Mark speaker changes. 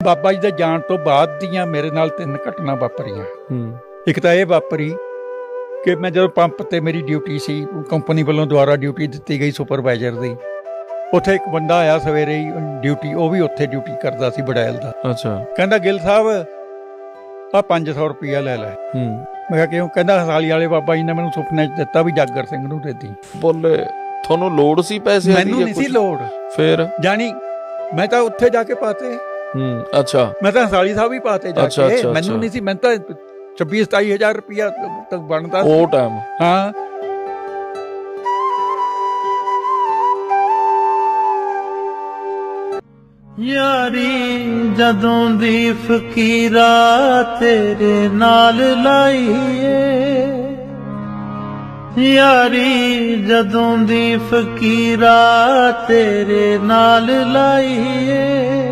Speaker 1: ਬਾਬਾ ਜੀ ਦੇ ਜਾਣ ਤੋਂ ਬਾਅਦ ਦੀਆਂ ਮੇਰੇ ਨਾਲ 3 ਘਟਨਾ ਵਾਪਰੀਆਂ। ਇੱਕ ਤਾਂ ਇਹ ਵਾਪਰੀ ਕਿ ਮੈਂ ਜਦੋਂ ਪੰਪ ਤੇ ਮੇਰੀ ਡਿਊਟੀ ਸੀ, ਕੰਪਨੀ ਵੱਲੋਂ ਦੁਆਰਾ ਡਿਊਟੀ ਦਿੱਤੀ ਗਈ ਸੁਪਰਵਾਈਜ਼ਰ ਦੀ, ਉੱਥੇ ਇੱਕ ਬੰਦਾ ਆਇਆ ਸਵੇਰੇ ਹੀ ਡਿਊਟੀ, ਉਹ ਵੀ ਉੱਥੇ ਡਿਊਟੀ ਕਰਦਾ ਸੀ ਬੜੈਲ ਦਾ।
Speaker 2: ਅੱਛਾ।
Speaker 1: ਕਹਿੰਦਾ ਗਿੱਲ ਸਾਹਿਬ ਆ 500 ਰੁਪਇਆ ਲੈ ਲੈ। ਮੈਂ ਕਿਹਾ ਕਿਉਂ? ਕਹਿੰਦਾ ਹਸਾਲੀ ਵਾਲੇ ਬਾਬਾ ਜੀ ਨੇ ਮੈਨੂੰ ਸੁਪਨੇ 'ਚ ਦਿੱਤਾ ਵੀ ਜਾਗਰ ਸਿੰਘ ਨੂੰ ਦੇ ਦੀ।
Speaker 2: ਬੋਲੇ ਤੁਹਾਨੂੰ ਲੋੜ ਸੀ ਪੈਸੇ?
Speaker 1: ਮੈਨੂੰ ਨਹੀਂ ਸੀ ਲੋੜ।
Speaker 2: ਫਿਰ
Speaker 1: ਜਾਣੀ ਮੈਂ ਤਾਂ ਉੱਥੇ ਜਾ ਕੇ ਪਾਤੇ।
Speaker 2: ਅੱਛਾ।
Speaker 1: ਮੈਂ ਤਾਂ ਹਸਾਲੀ ਸਾਹਿਬ ਹੀ ਪਾਤੇ ਜਾ ਕੇ, ਮੈਨੂੰ ਨਹੀਂ ਸੀ। ਮੈਨੂੰ ਤਾਂ 26-27 ਹਜ਼ਾਰ ਰੁਪਇਆ ਤੱਕ ਬਣਦਾ
Speaker 2: ਉਹ ਟਾਈਮ।
Speaker 1: ਹਾਂ।
Speaker 3: ਯਾਰੀ ਜਦੋਂ ਦੀ ਫਕੀਰਾ ਤੇਰੇ ਨਾਲ ਲਾਈਏ, ਯਾਰੀ ਜਦੋਂ ਦੀ ਫਕੀਰਾ ਤੇਰੇ ਨਾਲ ਲਾਈਏ,